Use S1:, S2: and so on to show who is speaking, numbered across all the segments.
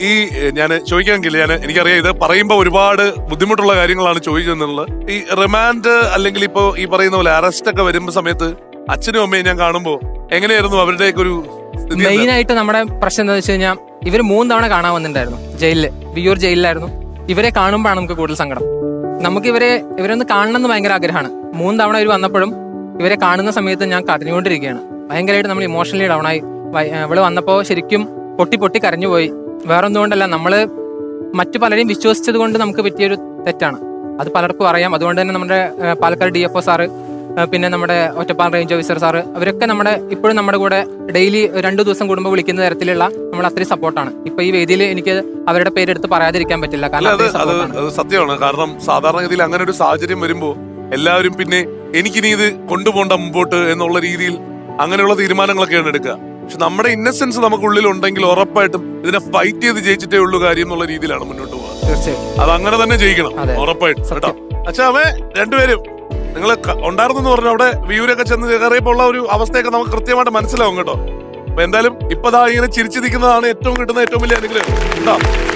S1: ഈ ഞാൻ ചോദിക്കാമെങ്കിൽ എനിക്കറിയാം ഇത് പറയുമ്പോ ഒരുപാട് ബുദ്ധിമുട്ടുള്ള കാര്യങ്ങളാണ് ചോദിക്കുന്നത്. ഈ റിമാൻഡ് അല്ലെങ്കിൽ ഇപ്പോ ഈ പറയുന്ന പോലെ അറസ്റ്റ് ഒക്കെ വരുമ്പോ സമയത്ത് അച്ഛനും അമ്മയും ഞാൻ കാണുമ്പോ എങ്ങനെയായിരുന്നു അവരുടെയൊക്കെ ഒരു
S2: മെയിൻ ആയിട്ട് നമ്മുടെ പ്രശ്നം എന്താ വെച്ച് കഴിഞ്ഞാൽ ഇവര് 3 തവണ കാണാൻ വന്നിട്ടുണ്ടായിരുന്നു ജയിലില്, വിയ്യൂർ ജയിലിലായിരുന്നു. ഇവരെ കാണുമ്പോഴാണ് നമുക്ക് കൂടുതൽ സങ്കടം. നമുക്ക് ഇവരൊന്ന് കാണണമെന്ന് ഭയങ്കര ആഗ്രഹമാണ്. 3 തവണ ഇവർ വന്നപ്പോഴും ഇവരെ കാണുന്ന സമയത്ത് ഞാൻ കരഞ്ഞുകൊണ്ടിരിക്കുകയാണ്. ഭയങ്കരമായിട്ട് നമ്മൾ ഇമോഷണലി ഡൗൺ ആയി. ഇവള് വന്നപ്പോ ശരിക്കും പൊട്ടി കരഞ്ഞുപോയി. വേറൊന്നുകൊണ്ടല്ല, നമ്മള് മറ്റു പലരെയും വിശ്വസിച്ചത് കൊണ്ട് നമുക്ക് പറ്റിയൊരു തെറ്റാണ്. അത് പലർക്കും അറിയാം. അതുകൊണ്ട് തന്നെ നമ്മുടെ പാലക്കാട് DFO സാറ്, പിന്നെ നമ്മുടെ ഒറ്റപ്പാലം റേഞ്ച് ഓഫീസർ സാറ്, അവരൊക്കെ ഇപ്പോഴും നമ്മുടെ കൂടെ ഡെയിലി 2 ദിവസം കൂടുമ്പോൾ വിളിക്കുന്ന തരത്തിലുള്ള നമ്മൾ അത്രയും സപ്പോർട്ടാണ്. ഇപ്പൊ ഈ വേദിയിൽ എനിക്ക് അവരുടെ പേരെടുത്ത് പറയാതിരിക്കാൻ പറ്റില്ല. കാരണം
S1: അത് സത്യമാണ്. കാരണം സാധാരണഗതിയിൽ അങ്ങനെ ഒരു സാഹചര്യം വരുമ്പോ എല്ലാവരും പിന്നെ എനിക്കിനി ഇത് കൊണ്ടുപോകണ്ട മുമ്പോട്ട് എന്നുള്ള രീതിയിൽ അങ്ങനെയുള്ള തീരുമാനങ്ങളൊക്കെയാണ് എടുക്കുക. പക്ഷെ നമ്മുടെ ഇന്നസെൻസ് നമുക്കുള്ളിൽ ഉണ്ടെങ്കിൽ ഉറപ്പായിട്ടും ഇതിനെ ഫൈറ്റ് ചെയ്ത് ജയിച്ചിട്ടേ ഉള്ളൂ കാര്യം എന്നുള്ള രീതിയിലാണ് മുന്നോട്ട് പോകുക.
S2: തീർച്ചയായും
S1: അത് അങ്ങനെ തന്നെ ജയിക്കണം, ഉറപ്പായിട്ടും കേട്ടോ. അച്ഛാ അമ്മേ രണ്ടുപേരും നിങ്ങൾ ഉണ്ടായിരുന്നെന്ന് പറഞ്ഞു അവിടെ വിയൂരൊക്കെ ചെന്ന് കയറിയപ്പോൾ ഉള്ള ഒരു അവസ്ഥയൊക്കെ നമുക്ക് കൃത്യമായിട്ട് മനസ്സിലാവും കേട്ടോ. അപ്പൊ എന്തായാലും ഇപ്പതാ ഇങ്ങനെ ചിരിച്ചു നിൽക്കുന്നതാണ് കിട്ടുന്ന ഏറ്റവും വലിയ അനുഗ്രഹം കേട്ടോ.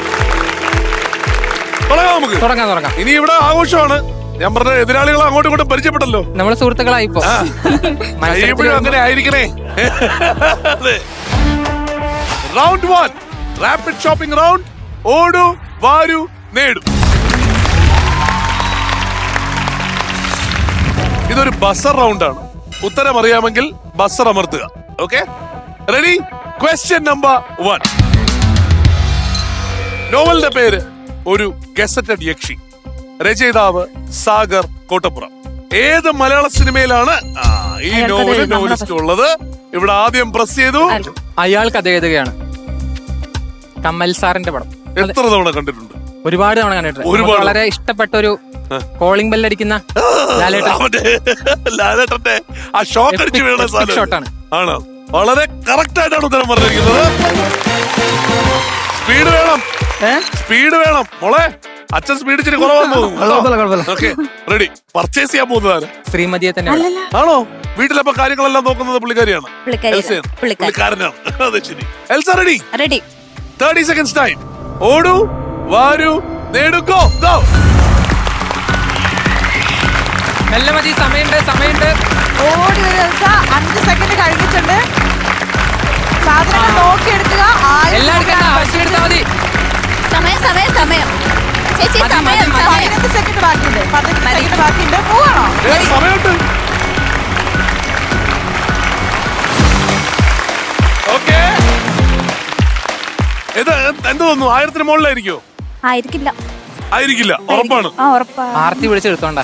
S1: തുടങ്ങാം നമുക്ക്.
S2: തുടങ്ങാം.
S1: ഇനി ഇവിടെ ആഘോഷമാണ്. ഞാൻ പറഞ്ഞ എതിരാളികൾ അങ്ങോട്ടും ഇങ്ങോട്ടും പരിചയപ്പെട്ടല്ലോ,
S2: നമ്മള് സുഹൃത്തുക്കളായിപ്പോ.
S1: അങ്ങനെ ആയിരിക്കണേ. Round 1 rapid shopping round. ഓടു വാരു നേടു. ഇതൊരു ബസർ റൗണ്ടാണ്. ഉത്തരം അറിയാമെങ്കിൽ ബസർ അമർത്തുക. Okay, ready? Question number 1. നോവലിന്റെ പേര് ഒരു ഗസറ്റഡ് യക്ഷി. രചയിതാവ് സാഗർ കോട്ടപ്പുറം. ഏത് മലയാള സിനിമയിലാണ് ഈ നോവലിസ്റ്റ് ഉള്ളത്? ഇവിടെ ആദ്യം പ്രസ് ചെയ്തു.
S2: അയാൾ കഥയെഴുതുകയാണ്. കമൽ സാറിന്റെ പടം.
S1: എത്ര തവണ കണ്ടിട്ടുണ്ട്?
S2: ഒരുപാട് തവണ കണ്ടിട്ടുണ്ട്. വളരെ ഇഷ്ടപ്പെട്ട ഒരു കോളിംഗ് ബെല്ലടിക്കുന്ന
S1: ലാലേട്ടന്റെ ആ ഷോട്ട് അടിച്ച് വീണ
S2: ഷോട്ടാണ്.
S1: ആണ്. വളരെ കറക്റ്റ് ആയിട്ടാണ് ഉത്തരം പറഞ്ഞിരിക്കുന്നത്. സ്പീഡ് വേണം മോളെ. അച്ഛൻ സ്പീഡ് ഇച്ചിരി കുറവാന്ന് തോന്നുന്നു. Okay, ready? പർച്ചേസ് ചെയ്യാൻ പോകുന്നതാണ്
S2: ശ്രീമതിയെ തന്നെ
S1: ആണോ? വീട്ടിലപ്പോ കാര്യങ്ങളെല്ലാം നോക്കുന്നത് പുള്ളിക്കാരിയാണ്, പുള്ളിക്കാരനാണ്. അതെ, ശരി. Elsa ready? 30 seconds time. ഓടു വാരു നേടു. ഗോ.
S2: നല്ല മതി, സമയമുണ്ട്.
S3: ഓടി വരും എൽസ. 5 സെക്കൻഡ് കഴിഞ്ഞിട്ടുണ്ട്. സാധനങ്ങൾ നോക്കിയെടുക്കുക.
S2: എല്ലാം എടുക്കണ്ട, ആവശ്യം എടുത്താൽ മതി.
S4: സമയം ചേച്ചി,
S3: 15 സെക്കൻഡ് ബാക്കിയുണ്ട്. 15 സെക്കൻഡ് ബാക്കിയുണ്ട്. പോവാണോ?
S1: സമയമുണ്ട്. ഓക്കെ, ഇത് എന്ത് തോന്നുന്നു? 1000-ന് മുകളിലായിരിക്കോ? ആയിരിക്കില്ല, ഉറപ്പാണ്.
S2: ആർത്തി വിളിച്ചെടുത്തോണ്ട.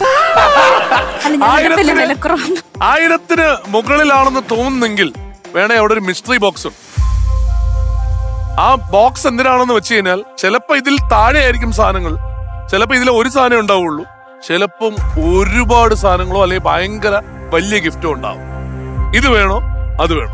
S1: 1000-ന് മുകളിലാണെന്ന് തോന്നുന്നെങ്കിൽ വേണേ അവിടെ ഒരു മിസ്റ്ററി ബോക്സ് ഉണ്ട്. ആ ബോക്സ് എന്തിനാണെന്ന് വെച്ച് കഴിഞ്ഞാൽ ചിലപ്പോ ഇതിൽ താഴെ ആയിരിക്കും സാധനങ്ങൾ, ചിലപ്പോ ഇതിൽ ഒരു സാധനം ഉണ്ടാവുള്ളൂ, ചിലപ്പം ഒരുപാട് സാധനങ്ങളോ അല്ലെങ്കിൽ ഭയങ്കര വലിയ ഗിഫ്റ്റോ ഉണ്ടാവും. ഇത് വേണോ അത് വേണോ?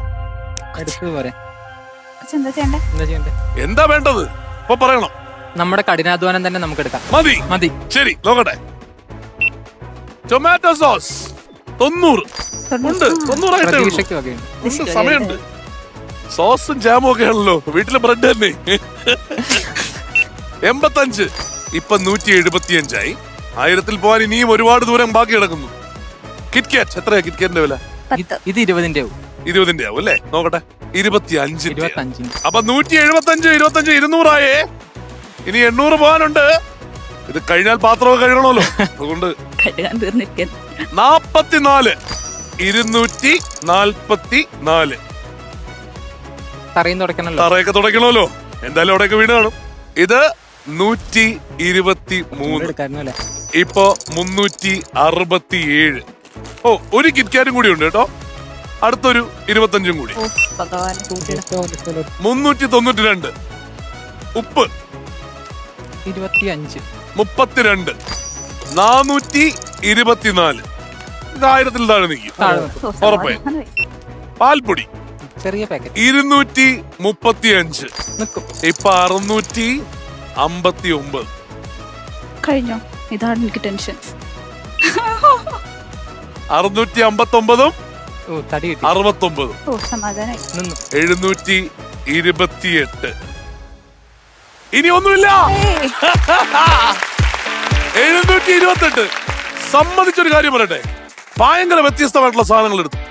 S1: എന്താ വേണ്ടത് ഇപ്പൊ പറയണം.
S2: നമ്മുടെ കഠിനാധ്വാനം തന്നെ നമുക്ക് എടുക്കാം.
S1: മതി. ശരി, നോക്കട്ടെ. ടൊമാറ്റോ സോസ് 90 ഉണ്ട്. 90 സമയമുണ്ട്. സോസും ജാമും ഒക്കെ ആണല്ലോ, വീട്ടിലെ ബ്രെഡ് തന്നെ. 85. ഇപ്പൊ 175 ആയി. 1000-ൽ പോകാൻ ഇനിയും ഒരുപാട് ദൂരം ബാക്കി കിടക്കുന്നു. കിറ്റ്കാറ്റ് എത്രയാ? കിറ്റ്കാറ്റിന്റെ വില
S2: ഇത് 20-ന്റെ ആവും.
S1: 20-ന്റെ ആവും അല്ലേ? നോക്കട്ടെ. 25. അപ്പൊ 175, 25, 200 ആയേ. ഇനി 800 പോകാനുണ്ട്. ഇത് കഴിഞ്ഞാൽ പാത്രമൊക്കെ കഴുകണമല്ലോ, അതുകൊണ്ട് 44. 244. തറയൊക്കെ തുടയ്ക്കണമല്ലോ, എന്തായാലും അവിടെയൊക്കെ വീട് കാണും. ഇത് 123. ഇപ്പൊ 367. ഓ, ഒരു കിറ്റ്കാറ്റും കൂടി ഉണ്ട് കേട്ടോ. അടുത്തൊരു 25 കൂടി. 392. ഉപ്പ്
S2: 25.
S1: 32. 424. ഇത് 1000-ൽ താഴെ നിൽക്കും ഉറപ്പായി. പാൽപ്പൊടി
S2: ചെറിയ പാക്കറ്റ്
S1: 235. ഇപ്പൊ 659.
S4: കഴിഞ്ഞോ? ഇതാണ് എനിക്ക് ടെൻഷൻ.
S1: 659.
S4: 69.
S1: 728. ഇനി ഒന്നുമില്ല. 728. സമ്മതിച്ചൊരു കാര്യം പറയട്ടെ, ഭയങ്കര വ്യത്യസ്തമായിട്ടുള്ള സാധനങ്ങൾ എടുത്തു.